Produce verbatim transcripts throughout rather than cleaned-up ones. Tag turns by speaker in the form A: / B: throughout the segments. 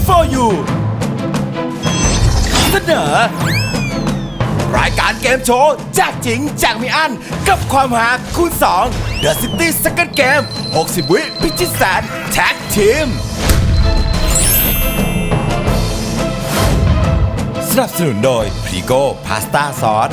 A: for you เสนอรายการเกมโชว์แจกจริงแจกไม่อั้นกับความหาคูณสอง The City Second Game หกสิบ วิพิชิตแสนแท็กทีมสนับสนุนโดยพรีโก้พาสต้าซอส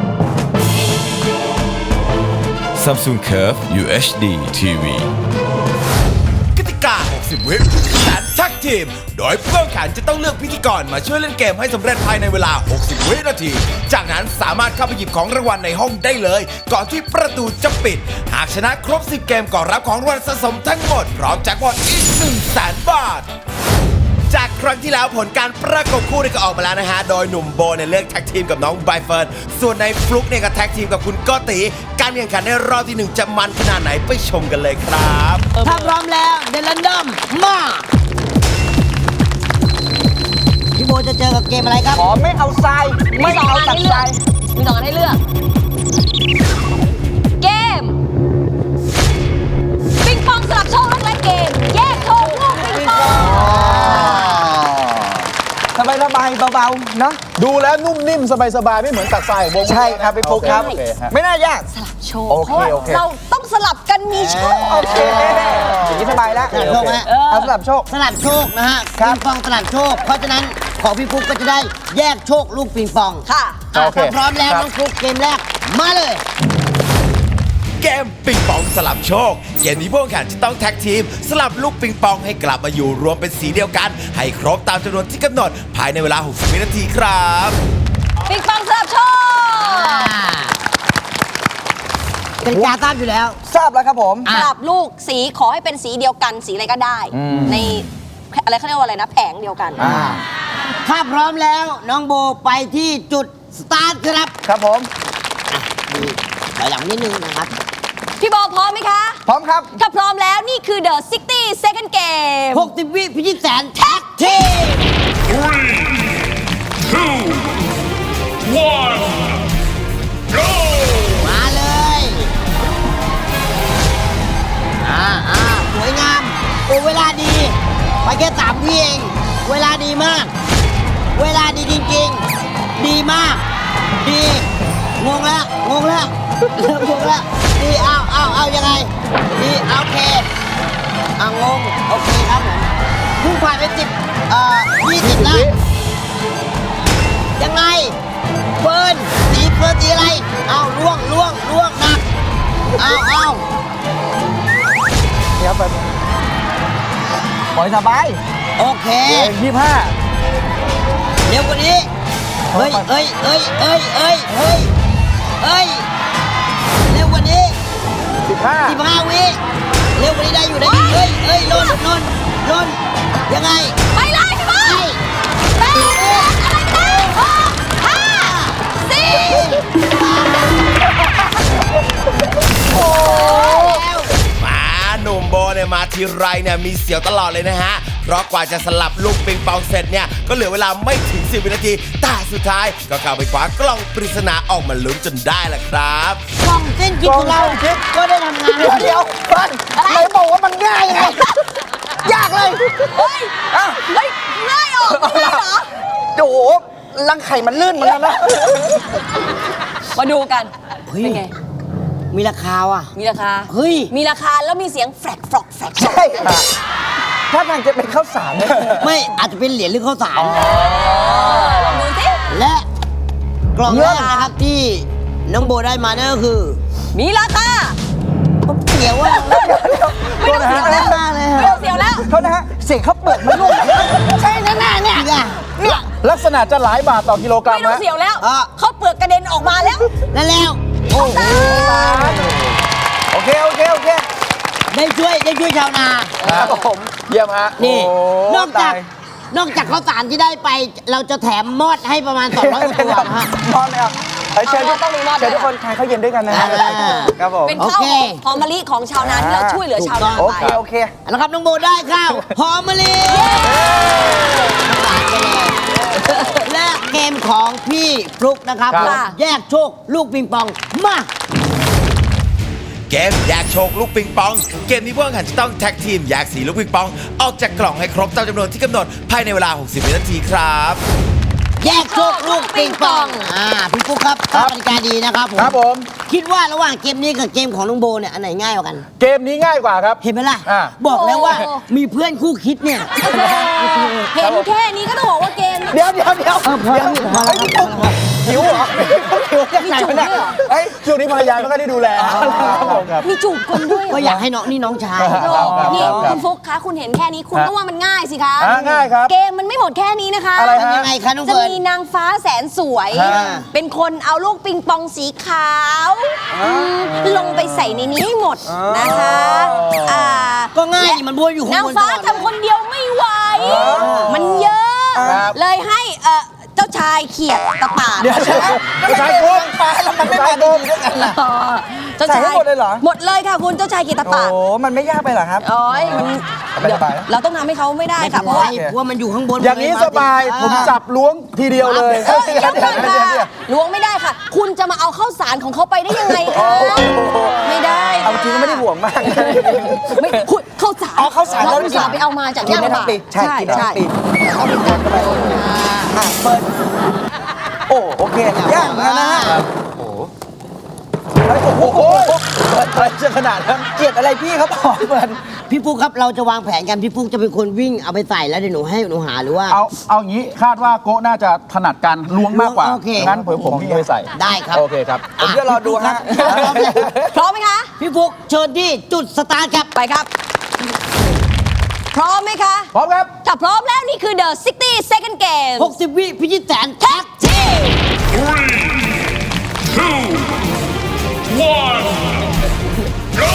A: Samsung Curve ยู เอช ดี ที วี กติกา หกสิบ วิพิชิตแสนแท็กทีมโดยผู้แข่งขันจะต้องเลือกพิธีกรมาช่วยเล่นเกมให้สำเร็จภายในเวลา หกสิบ วินาที จากนั้นสามารถเข้าไปหยิบของรางวัลในห้องได้เลย ก่อนที่ประตูจะปิด หากชนะครบ สิบ เกมก็รับของรางวัลสะสมทั้งหมดพร้อมแจ็คพอตอีก หนึ่งแสน บาท จากครั้งที่แล้วผลการประกบคู่เนี่ยก็ออกมาแล้วนะฮะ โดยหนุ่มโบเนี่ยเลือกแท็กทีมกับน้องใบเฟิร์น ส่วนในฟลุกเนี่ยก็แท็กทีมกับคุณโกติ การแข่งขันในรอบที่หนึ่งจะมันขนาดไหนไปชมกันเลยครับ
B: ถ้าพร้อมแล้วเดลันดอมมาพี่โบจะเจอกับเกมอะไรครับ
C: ขอไม่เอาทรายไม่เอาตักทราย
D: มีสองอันให้เลือก เกม ปิงปองสลับโชคและเกม แยกโชคลูกปิงปอง
C: สบายสบายเบาๆเนาะ
E: ดูแล้วนุ่มนิ่มสบายๆไม่เหมือนตักทรายของวง
C: ใช่ครับพี่ปุ๊กครับ
E: โอเคฮะ
C: ไม่น่ายาก
D: สลับโชค
C: โอเค
D: เพราะว่า
C: โอเค
D: เราต้องสลับกันมีโชค
C: โอเคอย่างนี้สบายแล้ว
B: สลับโชคฮะ
C: เอาสลับโชค
B: สลับโชคนะฮะ
C: ครับ
B: ปิงปองสลับโชค เพราะฉะนั้นของพี่ฟุกก็จะได้แยกโชคลูกปิงปอง
D: ค่ะ
B: อ่ะ
E: โอเค
B: ถ้าพร้อมแล้ว
C: ครับ
B: น้องฟุกเกมแรกมาเลย
A: เกมปิงปองสลับโชค เกมนี้ผู้แข่งขันจะต้องแท็กทีม สลับลูกปิงปองให้กลับมาอยู่รวมเป็นสีเดียวกัน ให้ครบตามจำนวนที่กำหนด ภายในเวลา หกสิบ วินาทีครับ
D: ปิงปองสลับโชค
B: เป็นการทราบอยู่แล้ว
C: ทราบแล้วครับผม
D: สลับลูกสีขอให้เป็นสีเดียวกันสีอะไรก็ได้ ในอะไรเขาเรียกว่าอะไรนะ แผงเดียวกัน
C: อ่า
B: ถ้าพร้อมแล้วน้องโบไปที่จุดสตาร์ทครับ
C: ครับผม
B: ดีถอยหลังนิดนึงนะครับ
D: พี่โบพร้อมไหมคะ
C: พร้อมครับ
D: ถ้าพร้อมแล้วนี่คือ The ซิกตี้ Second Game
B: หกสิบ วิพิชิตแสนแท็กทีม มาเลย อ่าอ่าสวยงาม โอ้ เวลาดี ไปแค่สามวิเอง เวลาดีมาก เวลาดีจริงๆ ดีมาก ดี งงแล้ว งงแล้ว เริ่มงงแล้ว ดี เอาเอาเอายังไง ดีเอาโอเคอ่างง โอเคครับผมเพุ่งผ่านไปสิบเอ่อยี่สิบแล้ว ยังไงเฟิร์นสีเฟิร์นสีอะไร เอาล่วงล่วงล่วงหนัก เอาเอา
C: เดี๋ยวไปปล่อยสบาย
B: โอเค
C: เองยี่ห้า
B: เร็วกว่านี้ เฮ้ยเอ้ยเอ้ยเอ้ยเอ้ยเฮ้ยเอ้ย เร็วกว่านี้
C: สิบห้า
B: สิบห้าวิ เร็วกว่านี้ได้อยู่ได้อยู่เฮ้ยเอ้ยลนลนลนยังไง
D: ไปเลยพี่โบ
B: ไอ้
D: แปดอะไรนะหกห้าสี่
A: มาหนุ่มโบเนี่ยมาทีไรเนี่ยมีเสียวตลอดเลยนะฮะ เพราะกว่าจะสลับลูกปิงปองเสร็จเนี่ย ก็เหลือเวลาไม่ถึง สิบ วินาที แต่สุดท้ายก็เข้าไปคว้ากล้องปริศนาออกมาลุ้นจนได้แหละครับ
B: กล่องเส้นคิดของเราก็ได้ทำงาน
C: เดี๋ยวเดี๋ยวเฟิร์นไหนบอกว่ามันง่ายไง ยากเลย
D: เฮ้ย
C: อ้าว
D: เฮ้ยง่ายออกไม่ได้เหรอ
C: โอ้โหรังไข่มันลื่นเหมือนกันนะ
D: มาดูกัน
B: เฮ้ย
D: เป็นไง
B: มีราคาว่ะ
D: มีราคา
B: เฮ้ย
D: มีราคาแล้วมีเสียงแฟลกฟลอกแฟลก
C: ใช่ค่ะถ้าทางจะเป็นข้าวสารเนี่ย
B: ไม่อาจจะเป็นเหรียญหรือข้าวสาร
D: ลองดูสิ
B: และกล่องแรกนะครับที่น้องโบได้มานั่นก็คือ
D: มีราคา
B: ผมเสียวว่า
D: ไม่ต้องเสียวแล้ว
B: มากเลย
D: ไม่ต้องเสียวแล้ว
C: โทษนะฮะ เสียงข้าวเปลือกมันร่วง
B: ใช่แน่ๆเนี่ย
C: เนี่ย
E: ลักษณะจะหลายบาทต่อกิโลกรัม
D: ไม่ต้อง
E: นะ
D: เสียวแล้ว
B: อ่ะ
D: เขาเปลือกกระเด็นออกมาแล้ว
B: นั่นแล้วโอ้โห
C: โอเค โอเค โอเค
B: ได้ช่วยได้ช่วยชาวนา
C: ครับผม
E: เยี่ยมฮะ
B: นี่
C: โอ้
B: นอกจาก
C: ตาย
B: นอกจากข้าวสารที่ได้ไป เราจะแถมมอดให้ประมาณสองร้อยกว่าตัวนะฮะ
C: มอดเลยอ่ะเฮ้ยเชิญทุก
D: ต้องมีมอดด้วย
C: เชิญทุกคนทานข้าวเย็นด้วยกันนะฮะ
B: อ่า
C: ครับผม
D: เป็น
B: โอ
D: ข้าว
B: เค
D: หอมมะลิของชาวนาที่เราช่วยเหลือชาวนา
C: โอ
D: ไป
C: เค โอเค
B: แล้วครับน้องโบได้ข้าวหอมมะลิและเกมของพี่ฟลุกนะครับ
E: ครับ
B: ผมแยกโชคลูกปิงปองมา
A: เกมแยกโชคลูกปิงปอง เกมนี้ผู้แข่งขันจะต้องแท็กทีมแยกสีลูกปิงปอง ออกจากกล่องให้ครบตามจำนวนที่กำหนดภายในเวลา หกสิบ วินาทีครับ
B: แยกโชคลูกปิงปอง อ่า พี่ปุ๊กครับทราบกติกาดีนะครับผม
E: ครับผม
B: คิดว่าระหว่างเกมนี้กับเกมของน้องโบเนี่ย อันไหนง่ายกว่ากัน
E: เกมนี้ง่ายกว่าครับ
B: เห็นไหมล่ะ
E: อ่า
B: บอกแล้วว่า
D: โอ้
B: มีเพื่อนคู่คิดเนี่ย
D: เห็นแค่นี้ก็ต้องบอกว่าเกม
C: เดี๋ยวเดี๋ยวเดี๋ยว
B: เออพอแล้วพอแล้วพอแล้ว
C: หิวเหรอหิวยังไงวะเนี่ย
D: มีจูบด้วยเหรอ
C: เฮ้ย
E: ช่วงนี้ภรรยาไม่ค่อยได้ดูแลครับผมครับ
D: มีจูบคนด้วยเหร
B: ก็อยากให้น้องนี่น้องชาย
E: ครับ
D: นี่
E: ครับ
D: คุณฟุกคะคุณเห็นแค่นี้คุณ
E: ครับ
D: ก็ว่ามันง่ายสิคะ
E: อ่าง่ายครับ
D: เกมมันไม่หมดแค่นี้นะคะ
E: อะไร
B: มัน
E: ฮะ
B: ยังไงคะน้อง
D: จะ
B: เฟิร์น
D: มีนางฟ้าแสนสวย
E: อ่า
D: เป็นคนเอาลูกปิงปองสีขาวอืมลงไปใส่ในนี้ให้หมดนะคะอ่า
B: ก็ง่ายนี่มันบวนอยู่ข้าง
D: นาง
B: บน
D: ฟ้า
B: ตลอด
D: ทำคนเดียวไม่ไหว มันเยอะ
E: ครับ
D: เลยให้เอ่อเจ้าชายเขียดตะปาด
C: เดี๋ยวใช่ไหม
E: ไม่ใช่โกง
C: ฟ้าแล้วมันไม่มาดีๆด้วยกันล่ะ
D: อ๋อเจ้า
C: ใส่
D: ชาย
C: ให้หมดเลยเหรอ
D: หมดเลยค่ะคุณเจ้าชายเขียดตะ
C: โอ้
D: ปาด
C: มันไม่ยากไปเหรอครับ
D: โอ้ยมัน
C: สบายๆนะ
D: เราต้องทำให้เขาไม่ได้ค่ะเพ
B: เพ
D: ราะ
B: ราะ
D: ว่า
B: ว่าเพราะว่ามันอยู่ข้างบน
E: อย่างนี้สบาย ผม
B: อ่า
E: จับล้วงทีเดียวเลย
D: เออเดี๋ยวก่อนค่ะล้วงไม่ได้ค่ะ คุณจะมาเอาข้าวสารของเขาไปได้ยังไงคะไม่ได้
C: เอาจริงก็ไม่ได้ห่วงมาก
D: ไม่คุณข้าวสาร
C: อ๋อข้าวสาร
D: เรา
C: แล้ว
D: อุตส่าห์ไปเอามาจาก
C: กิน
D: ย่าง
C: ได้ทั้
D: ป่าง
C: ปีใช่กินได้ทั้งปีเอาไปทานเข้าไปอ่ะเปิดโอ้โอเคย่างแล้วนะฮะโอ้โหเฮ้ยโอ้โห
E: โอ้ยอะไรจะขนาดนั้น
C: เกลียดอะไรพี่เขาบอกเปิด
B: พี่ปุ๊กครับเราจะวางแผนกันพี่ปุ๊กจะเป็นคนวิ่งเอาไปใส่แล้วเดี๋ยวหนูให้หนูหาหรือว่า
E: เอาเอางี้คาดว่าโกะน่าจะถนัดการล้วงมากกว่า
B: โอเค
E: งั้นผมผมวิ่งไปใส่
B: ได้ครับ
E: โอเคครับ
C: ผมจะรอดูฮะ
B: พร้อมเลย
D: พร้อมไหมคะ
B: พี่ปุ๊กเชิญที่จุดสตาร์ทครับ
D: ไปครับ พร้อมไหมคะ
E: พร้อมครับ
D: ถ้าพร้อมแล้วนี่คือ The 60 Second Game
B: หกสิบ วิพิชิตแสน
D: แท็กทีม go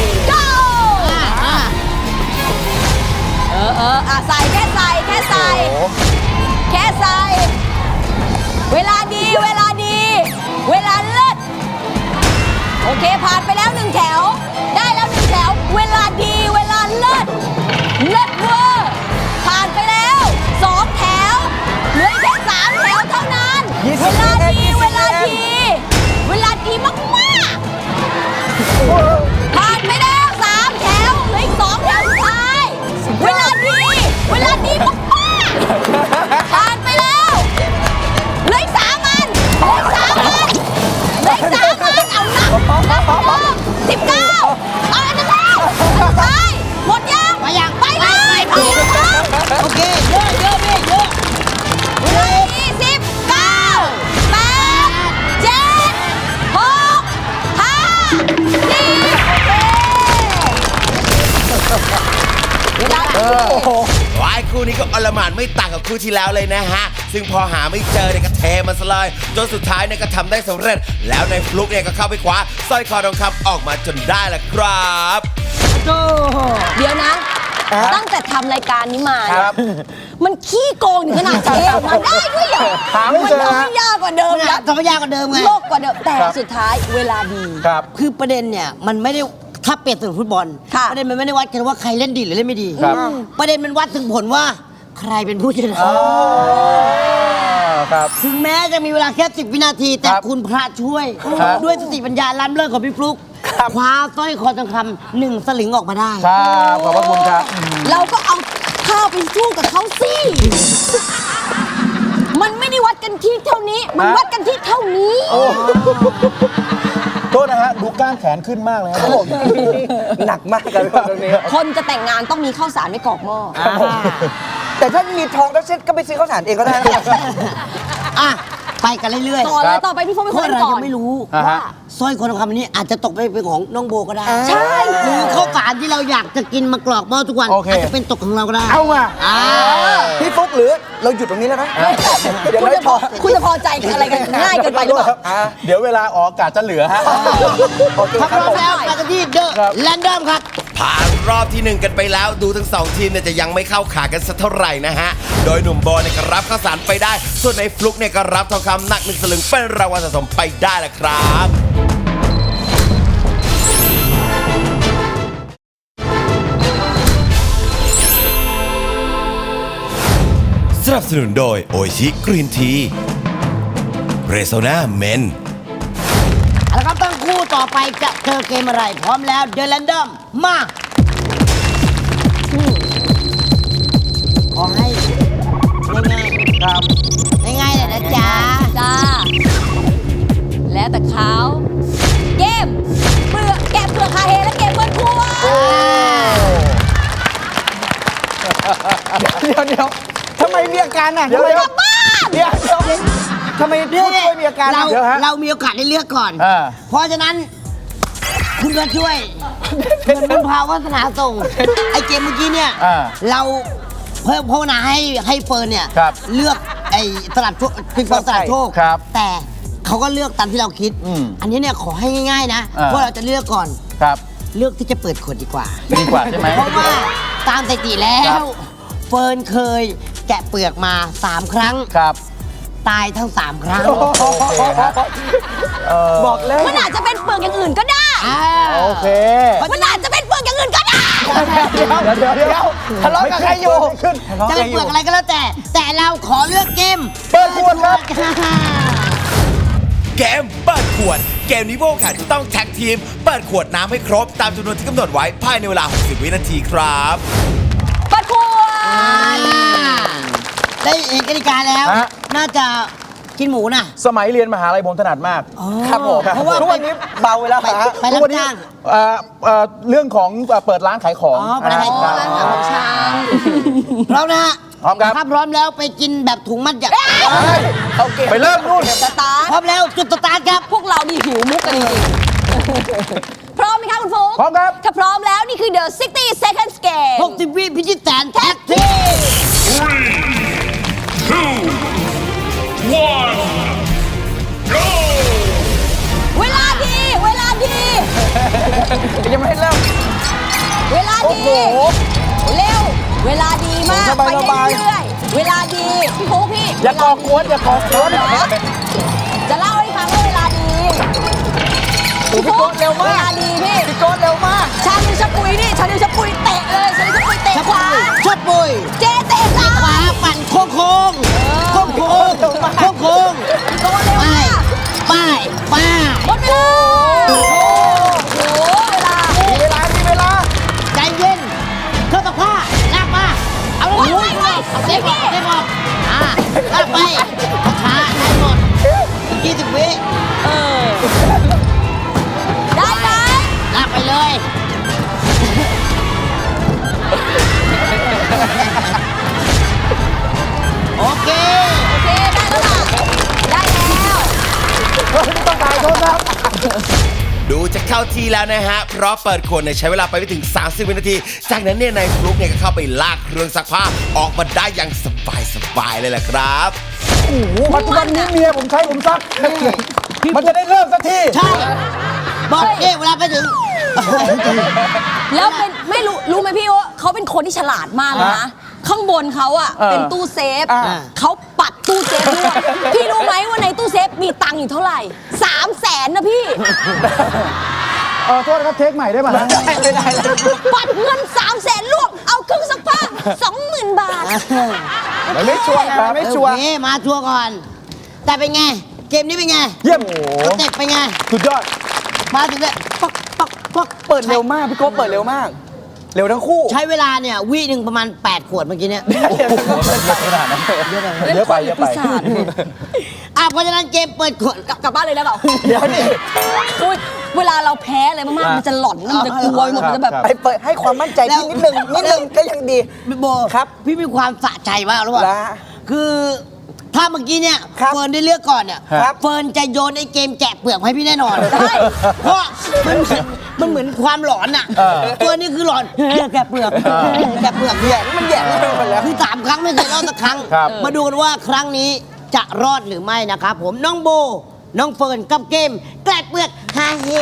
D: เออเอออ่ะใส่แค่ใส่แค่ใส่ แค่ใส่ เวลาดีเวลาดี เวลาเลิศโอเคผ่านไปแล้วหนึ่งแถว ได้แล้วหนึ่งแถว เวลาดีเวลาเลิศเลิศเวอร์ผ่านไปแล้วสองแถวเหลือแค่สามแถวเท่านั้น
C: ยี่สิ
D: เว
C: บ
D: ลาดี
C: ยี่สิบ
D: เวลาดี เวลาดีมากๆผ่านไปแล้วสามแถวเหลืออีกสองแถวสุดท้าย เวลาดี เวลาดีมากๆผ่านไปแล้วเหลืออีกสามอันเหลืออีกสามอันเหลืออีกสามอันเอานับนับนับสิบเก้าเอาอันนั้นแล้วอันสุดท้ายหมดยัง
B: ไปยัง
D: ไปเลยไปเลยครับ
B: โอเคเยอะเยอะพี่เยอะ
D: เวลาดีสิบเก้าแปดเจ็ดหกห้าสี่เวลาดี
A: วายคู่นี้ก็อลหม่านไม่ต่างกับคู่ที่แล้วเลยนะฮะ ซึ่งพอหาไม่เจอเนี่ยก็เทมันซะเลยจนสุดท้ายเนี่ยก็ทำได้สำเร็จ แล้วในฟลุกเนี่ยก็เข้าไปคว้าสร้อยคอทองคำออกมาจนได้ละครับ
D: เดี๋ยวนะ ตั้งแต่ทำรายการนี้มา
E: ครับ
D: มันขี้โกงถึงขนาดเทออกมาได้ด้วยเหรอ
E: หาไม่
D: มัน
E: เจอ
D: ทำ
E: ฮะ
D: ให้ยากกว่าเดิม
B: มัน
D: นะ
B: ทำให้ยากกว่าเดิมไง
D: โลกกว่าเดิมแต่
E: ครับ
D: สุดท้ายเวลาดี
E: ครับ
B: คือประเด็นเนี่ยมันไม่ได้ถ้าเปรียบถึงฟุตบอล
D: ค่ะ
B: ประเด็นมันไม่ได้วัดกันว่าใครเล่นดีหรือเล่นไม่ดี
E: ครับ
B: ประเด็นมันวัดถึงผลว่าใครเป็นผู้ชนะ
E: อ๋อครับ
B: ถึงแม้จะมีเวลาแค่สิบวินาที แต่
E: ครับ
B: คุณพระช่วย
E: ครับ
B: ด้วยสติปัญญาล้ำเลิศของพี่ฟลุ๊กคว้าสร้อยคอทองคำหนึ่งสลึงออกมาได้
E: ครับขอบพระคุณครับ
D: เราก็เอาข้าวไปสู้กับเขาสิ มันไม่ได้วัดกันที่เท่านี้ มัน
E: ฮะ
D: วัดกันที่เท่านี้
E: โทษนะฮะ ดูก้านแขนขึ้นมากเลยครับผม
C: หนักมากกันตรงนี้
D: คนจะแต่งงานต้องมีข้าวสารไว้กรอกหม้ออ
C: แต่ถ้ามีทองแล้วเซ็ตก็ไปซื้อข้าวสารเองก็ได้นะ
B: อ่ะ ไปกันเรื่อย
D: ต่อเล
E: ครั
D: ย
E: บ
D: ต่อไปพี่พงศ์เป็น
B: ๆ
D: ค
B: คน
D: น
B: เรา
D: ก่อ
B: ยั
D: น
B: งไม่รู้
E: อ่าฮะ
B: ว่าสร้อยคอทองคำอันนี้อาจจะตกไปเป็นของน้องโบก็ได้
D: ใช่
B: หรือข้าวสารที่เราอยากจะกินมากรอกหม้อทุกวัน
E: โอเค
B: อาจจะเป็นตกของเราก็ได้
E: เอามา
B: อ่า
C: พี่ฟุกหรือเราหยุดตรงนี้แล้วนะเดี๋ยว
D: คุณ
C: ไม่
D: จะ
C: พ
D: พ
C: อ
D: อคุณจะพอใจกับอะไรกันง่ายเกินไปหรือเปล่า
C: อ่ะ
E: เดี๋ยวเวลาออกอากาศจะเหลือฮะ
C: โอเค
B: ถ้า
C: ค
B: พ
C: รับ
B: ร้อ
C: ผม ม
B: แล้วไปกันที่เดอะ
E: ครับ
B: แลนดอมครับ
A: ผ่านรอบที่หนึ่งกันไปแล้วดูทั้งสองทีมเนี่ยจะยังไม่เข้าขากันสักเท่าไหร่นะฮะ โดยหนุ่มโบเนี่ยก็รับข้าวสารไปได้ ส่วนในฟลุกเนี่ยก็รับทองคำหนักหนึ่งสลึงเป็นรางวัลสะสมไปได้แหละครับ สนับสนุนโดยโอชิกรีนทีเรโซนาเมน
B: เอาละครับตั้งคู่ต่อต่อไปจะเจอเกมอะไร พร้อมแล้วเด e แ a นดอมมาขอให้ง่ายๆครับง่ายๆเลยนะจ๊ะ
D: จ้า แล้วแต่เขาเกมเปลือกแกะเปลือกคาเฮและเกมเปิดครัว
C: เดี๋ยวเดี๋ยวทำไมมีอาการอ่ะทำไม
D: กลับบ้าน
C: เดี๋ยวเดี๋ยวทำไมผู้ช่วยมีอาการ
B: เรา
C: เดี๋ยวฮะ
B: เรามีโอกาสได้เลือกก่อน
C: อ่า
B: เพราะฉะนั้น คุณก็ช่วยเหมือนบุญพาวัฒนาส่ง ไอเกมเมื่อกี้เนี่ย
C: อ่า
B: เราเพิ่มภาวนาให้ให้เฟิร์นเนี่ย
C: ครับ
B: เลือกไอสลับโชคปิงปองสลับโชค
C: ครับ
B: แต่เขาก็เลือกตามที่เราคิด
C: อืม
B: อันนี้เนี่ยขอให้ง่ายๆนะ
C: อ่า
B: ว่าเราจะเลือกก่อน
C: ครับ
B: เลือกที่จะเปิดขวดดีกว่า
C: ดีกว่าใช่ไหม
B: เพราะว่าตามสถิติแล้
C: ครั
B: ว
C: บ
B: เฟิร์นเคยแกะเปลือกมาสามครั้ง
C: ครับ
B: ตายทั้งสามครั้ง
C: โอเคฮะเอ่อบอกแล้ว
D: มันอาจจะเป็นเปลือกอย่างอื่นก็ได้
B: อ่า
C: โอเค
D: มันอาจจะเป็นเปลือกอย่างอื่นก็ได้
C: เดี๋ยวเดี๋ยวเดี๋ยวทะเลาะกับใครอยู่ขึ้นทะเลาะ
B: จะ
C: กั
B: เป็น น
C: อ
B: เปลื
C: ยู่
B: อกอะไรก็แล้วแต่ แต่เราขอเลือกเกม
C: เปิดขวดครับ
A: เกมเปิดขวด เกมนี้พวกแข่งจะต้องแท็กทีม เปิดขวดน้ำให้ครบตามจำนวนที่กำหนดไว้ภายในเวลา หกสิบ วินาทีครับ
D: เปิดครัว
B: ได้เห็นกติกาแล้ว
C: ฮะ
B: น่าจะกินหมูนะ
C: สมัยเรียนมหาลัยผมถนัดมาก ครับผม
B: เพราะว่า
C: ทุกวันนี้เบาไปแล้ว
B: ไป
C: ฮะ
B: ไปรับ
C: ทุกวันนี้
B: จ้าง
C: เอ่อเอ่อเรื่องของเอ่อเปิดร้านขายของ
B: อ๋อเปิดร้านขายของ
C: คบ
D: ร้านขายของช
B: พร้อมนะฮะ
C: พร้อมครับ
B: ถ้าพร้อมแล้วไปกินแบบถุงมัดใหญ่
C: โอเคไปเริ่มนู่น
D: สตาร์ท
B: พร้อมแล้วจุดสตาร์ทครับ
D: พวกเรานี่หิวมุกกันจริงๆพร้อมไหมคะคุณฟุ๊ก
C: พร้อมครับ
D: ถ้าพร้อมแล้วนี่คือ The 60 Seconds Game
B: หกสิบ วิพิชิตแสนแท็กทีม
D: เวลาดี เวลาดี
C: ยังไม่ให้เริ่ม
D: เวลา
C: โอ้
D: ดี
C: โห
D: เร็ว เวลาดีมาก
C: สบาย
D: ไป
C: สบาย
D: เรื่อยๆเวลาดีพี่ฟุ๊กพี่
C: อย่ากอกวนอย่ากอกวน
D: จะเล่าให้ฟังว่าเวลาดี
C: โอ้พี่โก้เร็ว
D: เว
C: มาก
D: ลาดีพี่
C: พี่โก้เร็วมาก
D: ชาลิวชะปุยนี่ชาลิวชะปุยเตะเลยชาลิวชะปุยเตะ
B: ชับ
D: ขวา
B: ชดปุย
D: เจ๊เตะซ้าย
B: ขวาปั่นโค้งโค้งโค้งโค้งโค้งโค้ง
D: โดนเร็ว
B: ไป
D: มาก
B: ไปไป
D: หมดเวลาโอ้โหเวลา
C: มีเวลามีเวลา
B: ใจเย็นเครื่องซักผ้าลากมาเอาลง
D: ไว้ไว้ไว้
B: เอาเซฟบอกเซฟบอกอ่าลากไปช้าได้หมดยี่สิบวิ
D: เออได้ไหม
B: ลากไปเลย โอเค
D: โอเคได้แล้วล่ะได้แล้ว
C: ต้องตายโทษครับ
A: ดูจะเข้าทีแล้วนะฮะ เพราะเปิดขวดเนี่ยใช้เวลาไปไม่ถึง สามสิบ วินาที จากนั้นเนี่ยนายฟลุ๊กเนี่ยก็เข้าไปลากเครื่องซักผ้าออกมาได้อย่างสบายสบายๆเลยแหละครับ
C: โอ้โหปัจจุบันนี้เมียผมใช้ผมซัก มันจะได้เริ่มสักที
B: ใช่ บอกเอ๊ะเวลาไปถึง
D: แล้วเป็นไม่รู้รู้ไหมพี่ว่าเขาเป็นคนที่ฉลาดมากเลยนะ ข้างบนเขาอะ
C: เออ
D: เป็นตู้เซฟ
C: อ่า
D: เขาปัดตู้เซฟด้วยพี่รู้ไหมว่าในตู้เซฟมีตังค์อยู่เท่าไหร่สามแสนนะพี่
E: เออโทษนะครับเทคใหม่ได้ป่ะฮะ
C: ไม่ได้เลย
D: ปัดเงินสามแสนรวมเอาเครื่องซักผ้าสองหมื่นบาท
C: มันไม่ชัวร์ไงมันไม่ชัวร์
B: โอเคมาชัวร์ก่อน แต่เป็นไง เกมนี้เป็นไง
C: เยี่ยม
B: สเต็ปเป็นไง
C: สุดยอด
B: มาถึงเนี่ยปักปักปัก
C: เปิดเร็วมาก พี่โก้เปิดเร็วมาก เร็วทั้งคู่
B: ใช้เวลาเนี่ยวิหนึ่งประมาณ แปด ขวดเมื่อกี้เนี่ย
C: ขนาดนั้นเยอะไปเยอะไป
D: ปีศาจ
B: อ่ะเพราะฉะนั้นเกมเปิดขวด
D: กลับกลับบ้านเลยได้เปล่า
C: เดี๋ยวนี่
D: อุ๊ยเวลาเราแพ้อะไรมากๆมันจะหลอนมันจะกลัวไปหมดมันจะแบบ
C: ไปเปิดให้ความมั่นใจพี่นิดนึงนิดนึงก็ยังดี
B: พี่โบ
C: ครับ
B: พี่มีความสะใจมากรู้ป่ะ
C: ละ
B: คือถ้าเมื่อกี้เนี่ย
C: ครับ
B: เฟิร์นได้เลือกก่อนเนี่ย
C: ครับ
B: เฟิร์นจะโยนไอ้เกมแกะเปลือกให้พี่แน่นอน
D: ใช่
B: เพราะมันเหมือนมันเหมือนความหลอนอ่ะ
C: เออ
B: เฟิร์นนี่คือหลอนแกะเปลือกแกะเปลือก
C: แหย่มันแหย่ไปหมดแล้ว
B: คือสามครั้งไม่เคยรอดสักครั้ง
C: ครับ
B: มาดูกันว่าครั้งนี้จะรอดหรือไม่นะครับผมน้องโบ น้องเฟิร์นกับเกมแกะเปลือกฮาเฮ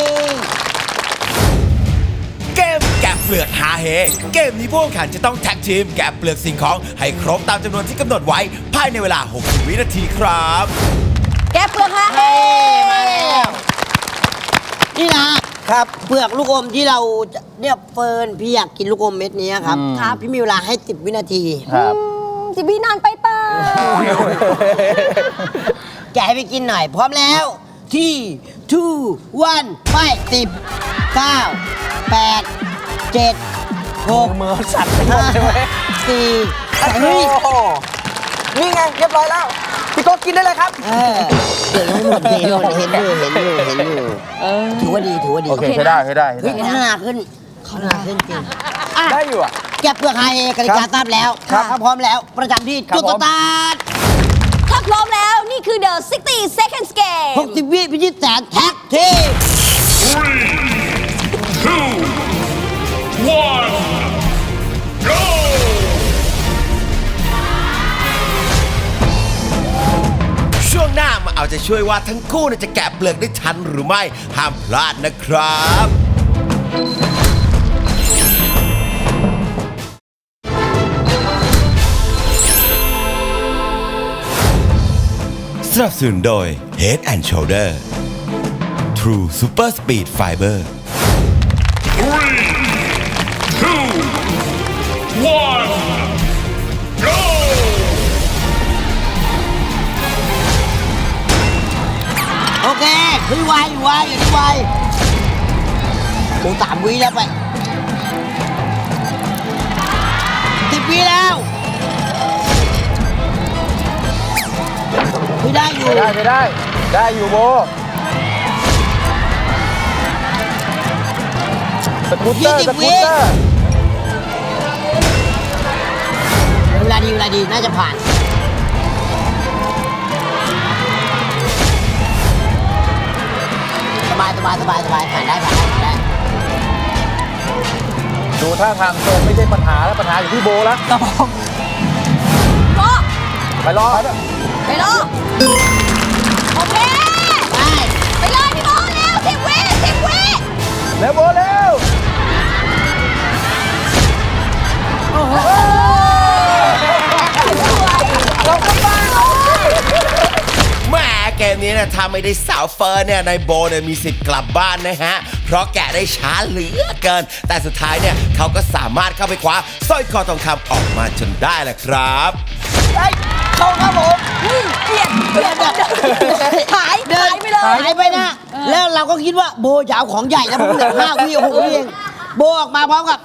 A: เกมแกะเปลือกหาเฮ เกมนี้ผู้แข่งขันจะต้องแท็กทีมแกะเปลือกสิ่งของให้ครบตามจำนวนที่กำหนดไว้ภายในเวลา หกสิบ วินาทีครับ
D: แกเปลือกฮะ
B: เฮ้มาแล้วนี่นะครับ เปลือกลูกอมที่เราจะเนี่ยเฟิร์นพี่อยากกินลูกอมเม็ดนี้ครับ ครับพี่มีเวลาให้สิบวินาที
C: ครับ
D: จิบีนานไปเปล่า
B: แกะให้ไปกินหน่อย พร้อมแล้ว ที่ two one ไปสิบเก้าแปดเจ็ดหก
C: มือสั่นไปหมดใช่ไหม
B: สี่สาม
C: โอ้โหนี่ไงเรียบร้อยแล้ว พี่โก้กินได้เลยครับ
B: เออเก่งทั้งหมดเก่งทั้งหมดเห็นอยู่เห็นอยู่เห็นอยู่ถือว่าดีถือว่าดี
E: โอเคใช้ได้ใช้ได้ใช้
B: เฮ้ย
E: ได้
B: พัฒนาขึ้นพัฒนาขึ้นจริงอ่ะ
C: ได้อยู่อ่ะ
B: แก็บเปลือกไฮกติกาทราบแล้ว
C: ครับ
B: ถ้าพร้อมแล้วประจำที่
C: ครับ
B: จุดสตาร์ท
D: ถ้าพร้อมแล้วนี่คือ The 60 Seconds Game
B: หกสิบวิพิชิตแสนแท็กทีม
A: ช่วงหน้ามาเอาใจช่วยว่าทั้งคู่เนี่ยจะแกะเปลือกได้ทันหรือไม่ ห้ามพลาดนะครับ สนับสนุนโดย Head and Shoulder True Super Speed Fiber
B: โอเคพี่วายอยู่วายอยู่ที่วายโอ้สามวิแล้วไปสิบวิแล้วพี่ได้อยู่
E: ได้ใช้ได้ ได้อยู่โบสกูตเตอร์สกูตเตอร์
B: เวลาดีเวลาดีน่าจะผ่านสบายสบายสบายสบายผ่านได้ผ่านได้ผ่านได้
E: ดูท่าทางโซนไม่ใช่ปัญหาแล้วปัญหาอยู่ที่โบแล้ว
D: ก็
E: ไปรอ
D: ไปรอโอเค
B: ได้
D: ไปเลยพี่โบเร็วสิบวิสิบวิ
E: แล้วโบเร็ว
A: แหมเกมนี้นะถ้าไม่ได้สาวเฟิร์นเนี่ยนายโบเนี่ยมีสิทธิ์กลับบ้านนะฮะ เพราะแกะได้ช้าเหลือเกิน แต่สุดท้ายเนี่ยเขาก็สามารถเข้าไปคว้าสร้อยคอทองคำออกมาจนได้แหละครับ
B: เข้าครับผม
D: เปลี่ยนเปลี่ยนหาย
B: เดิ
D: หาน ยไปเลย
B: หายไปนะ แล้วเราก็คิดว่าโบจะเอาของใหญ่แล้วพวกเหลือห้าวิหกวิเองโบออกมาพร้อมกับ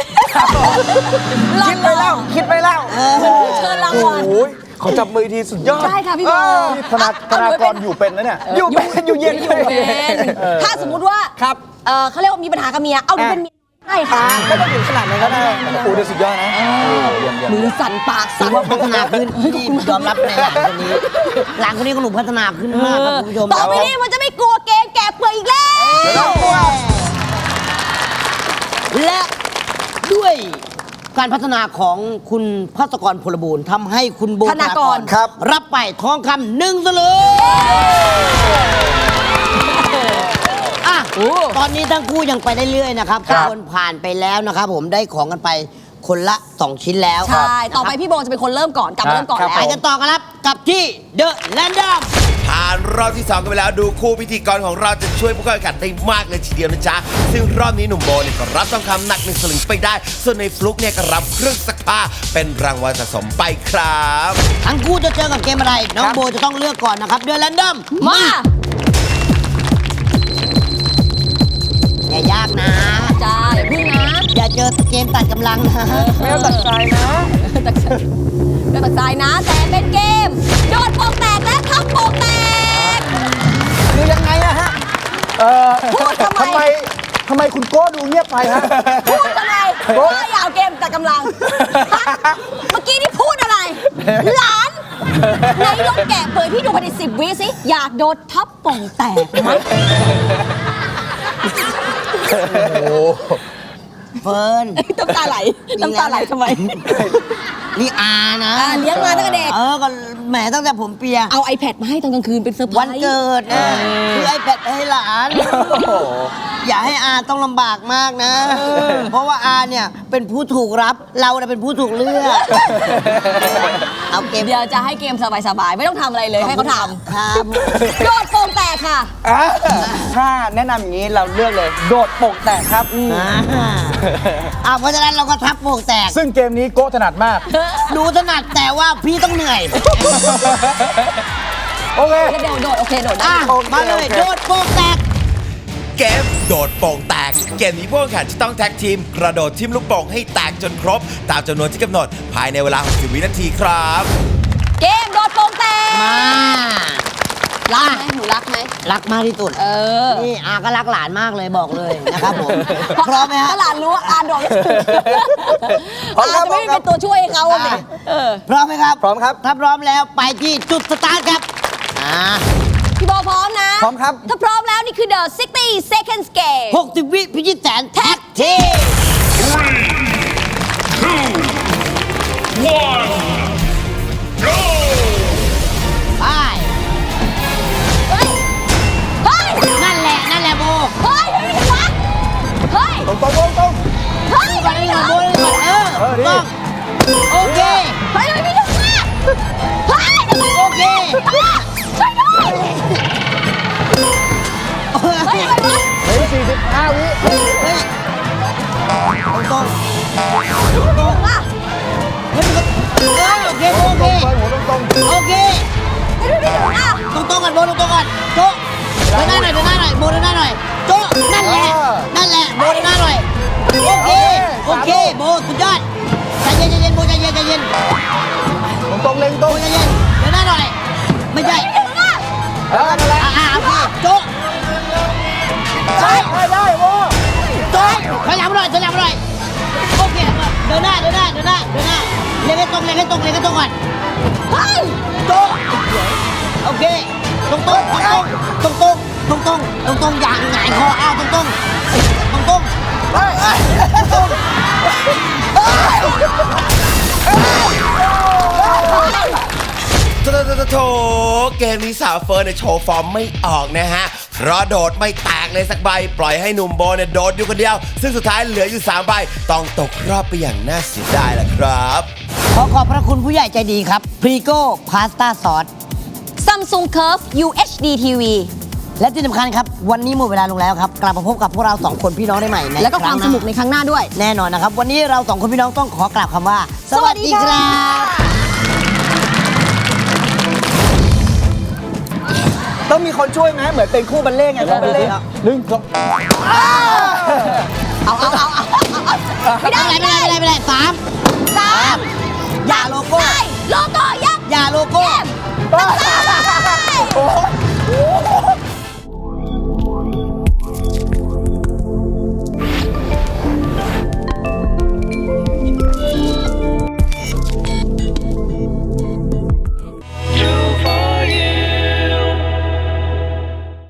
C: คิดไปแล้ว คิดไปแล้ว
D: เชิญรางวัล
C: โอ้ยขอจับมือทีสุดยอด
D: ใช่ค่ะพี่โบ
E: นี่ธนาธนากรอยู่เป็นนะเนี่ย
C: อยู่เป็นอยู่เย็น
D: อยู่เป็นถ้าสมมุติว่า
C: ครับ
D: เออเขาเรียกว่ามีปัญหากับเมีย เอาหนูเป็นเมียได้ค่ะ
C: ไม่ต้องถึงขนาดนั้นก็ได้โอ้เดี๋ยวสุดยอดนะ
D: มือสั่นปาก
B: ถื
D: สั่
B: อน ว่าพัฒนาขึ้นที่ยอมรับในหลังคนนี้ หลังคนนี้ก็หนูพัฒนาขึ้นมากครับคุณผู้ชม
D: ต่อไปนี้มันจะไม่กลัวเกมแกะเปลือกอีกแล้ว
B: และด้วยการพัฒนาของคุณพัศกรพลบูรณ์ทำให้คุณโบ
D: ธนากร
C: ครับ
B: รับไปทองคำหนึ่งสลึงอ่ะตอนนี้ทั้งคู่ยังไปได้เรื่อยนะครับ
C: ครับ
B: คนผ่านไปแล้วนะครับ ผมได้ของกันไปคนละสองชิ้นแล้ว
D: ใช่ ต่อไปพี่โบจะเป็นคนเริ่มก่อน กลับมาเริ่มก่อน
C: ครับ
B: ไป
D: แล้ว
B: กันต่อกันครับกับที่เดอะแลนดอม
A: ผ่านรอบที่สองกันไปแล้วดูคู่พิธีกรของเราจะช่วยผู้เข้าแข่งขันได้มากเลยทีเดียวนะจ๊ะ ซึ่งรอบนี้หนุ่มโบเนี่ยก็รับทองคำหนักหนึ่งสลึงไปได้ ส่วนในฟลุกเนี่ยก็รับเครื่องซักผ้าเป็นรางวัลสะสมไปครับ
B: ทั้งคู่จะเจอกับเกมอะไร น้องโบจะต้องเลือกก่อนนะครับเดอะแลนดอม
D: มา
B: อย่ายากนะ
D: จ้าอย่าพึ่งนะ
B: อย่าเจอเกมตัดกำลังนะ
C: ไม่ต้องตัดใจนะ
D: ตักเดี๋ยวตักใจนะ แต่เป็นเกม โดดโป่งแตกและทับโป่งแตก
C: คือยังไงอะฮะ
E: เออ
D: พูดทำไม
E: ทำไมทำไมคุณโก้ดูเงียบไปฮะ
D: พูดทำไมว่าอย่าเอาเกมตัดกำลังฮะเมื่อกี้นี่พูดอะไร หลานไหนลองแกะเปิดพี่ดูภายในสิบวิสิ อยากโดดทับโป่งแตกไหม
B: เฟิร์น
D: น้ำตาไหลน้ำตาไหลทำไม
B: นี่อานะ
D: อ่าเลี้ยงมาตั้งแต่เด็ก
B: เออก็แหมตั้งแต่ผมเปีย
D: เอา iPad มาให้ตอนกลางคืนเป็นเซอร์ไพรส์
B: วันเกิดนะคือไอแพดให้หลาน อย่าให้อาต้องลำบากมากนะ เพราะว่าอาเนี่ยเป็นผู้ถูกรับ เราเนี่ยเป็นผู้ถูกเลือก เอาเกม
D: เดี๋ยวจะให้เกมสบายๆ ไม่ต้องทำอะไรเลยให้เขาท
B: ครับ
D: ำโดดโป่งแตกค่ะ
C: อ่ะถ้าแนะนำอย่างนี้เราเลือกเลย โดดโป่งแตกครับ
B: อ่าอ่าเพราะฉะนั้นเราก็ทับโป่งแตก
E: ซึ่งเกมนี้โก้ถนัดมาก
B: ดูถนัดแต่ว่าพี่ต้องเหนื่อย
E: โอเค
D: แล้วเดี๋ยวโดด โอเค โดดได้
B: อ่ะ
C: โอเค
B: มาเลย
C: โอเค
B: โดดโป่งแตก
A: เกมโดดโป่งแตกเกมนี้ผู้แข่งขันจะต้องแท็กทีมกระโดดทิ่มลูกโป่งให้แตกจนครบ ตามจำนวนที่กำหนดภายในเวลาหกสิบวินาทีครับ
D: เกมโดดโป่งแตก
B: มา
D: รักไหมหนูรักไหม
B: รักมากที่สุด
D: เออ
B: นี่อาก็รักหลานมากเลยบอกเลยนะครับผม พร้อมไหมฮะ
D: ถ้าหลานรู้ว่าอาโดด
C: พร้อมครั
D: อา
C: บ
D: จะไม่เป็นตัวช่วยให้เขาเลย
B: อ่ะ
D: เออ
B: พร้อมไหมครับ
C: พร้อมครับ
B: ถ้าพร้อมแล้วไปที่จุดสตาร์ทครับอ่า
D: พี่โบพร้อมนะ
C: พร้อมครับ
D: ถ้าพร้อมแล้วนี่คือ the sixty seconds game
B: หกสิบวิพิชิตแสนแท็กทีม ไป
D: เฮ้ย เฮ้ย
B: นั่นแหละ นั่นแหละโบ
D: เฮ้ยเฮ้ยวะเฮ้ย
C: ตรงตรงตรงตรง
D: เฮ้ย
B: ก่อนนี่ก่อนโบนี่ก่อนเออ
C: เออดี
B: ต้องโอเค
D: เฮ้ยไม่ถึงอ่ะเฮ้ย
B: โอเค
D: ช่วยด้วยเฮ้ยอะไรวะ
C: เฮ้ยสี่สิบห้าวิ
B: เฮ้ยเฮ้ยตรงๆตรงๆ
D: อ่ะ
B: เฮ้ยมันก็เออโอเคโอเค
C: เปิดหัวตรงตรง
B: โอเค
D: ไม่ถึงอ่ะ
B: ตรงตรงๆกันโบตรงตรงๆกันโจ๊ะเดินหน้าหน่อยเดินหน้าหน่อยโบเดินหน้าหน่อยโจ๊ะนั่นแหละนั่นแหละโบเดินหน้าหน่อยโอเคโอเคโบสุดยอดใจเย็นใจเย็นโบใจเย็นใจเย็น
C: ตรงตรงเล็งต
B: โบ
C: รง
B: ใจเย็นเดินหน้าหน่อยไม่ใช่
D: ไม่ถึงอ่ะ
C: เออนั่นแหละ
B: อ่าอ่าโอเคโจ๊ะ
C: ได้ได้ได้โว้
B: โจ๊ะถอยหลังมาหน่อยถอยหลังมาหน่อยโอเคเดินหน้าเดินหน้าเดินหน้าเดินหน้าเล็งให้ตรงเล็งให้ตรงเล็งให้ตรงก่อน
D: เฮ้ย
B: โจ๊ะโอเคตรงตรงตรงตรงตรงตรงตรงตรงอย่างหงายคออ้าวตรงตรงตรงตรง
C: เฮ้ยเฮ้ย
B: ตรง
A: โถโถโถโถเกมนี้สาวเฟิร์นเนี่ยโชว์ฟอร์มไม่ออกนะฮะ เพราะโดดไม่แตกเลยสักใบ ปล่อยให้หนุ่มโบเนี่ยโดดอยู่คนเดียว ซึ่งสุดท้ายเหลืออยู่สามใบ ต้องตกรอบไปอย่างน่าเสียดายล่ะครับ
B: ขอขอบพระคุณผู้ใหญ่ใจดีครับพรีโก้พาสต้าซอส
D: Samsung Curve ยู เอช ดี ที วี
B: และที่สำคัญครับ วันนี้หมดเวลาลงแล้วครับ กลับมาพบกับพวกเราสองคนพี่น้องได้ใหม่ใน
D: แล้วก็ความ
B: รั้งห
D: สนุกในครั้งหน้าด้วย
B: แน่นอนนะครับ วันนี้เราสองคนพี่น้องต้องขอกล่าวคำว่า สวัสดีครับ
C: ต้องมีคนช่วยไหมเหมือนเป็นคู่บัลเล่ต์ไงคู่บัลเล่ต์หนึ่งสอง
D: เอาเอาเอาเอาเอาไม่ได้
B: ไม่ได้ไม่ได้ไม่ได้ไม่ได้สาม
D: สาม
B: อย่าโลโก้
D: ใช่โลโก้ยักษ์
B: อย่าโลโก้
D: เกม
C: โอ้ย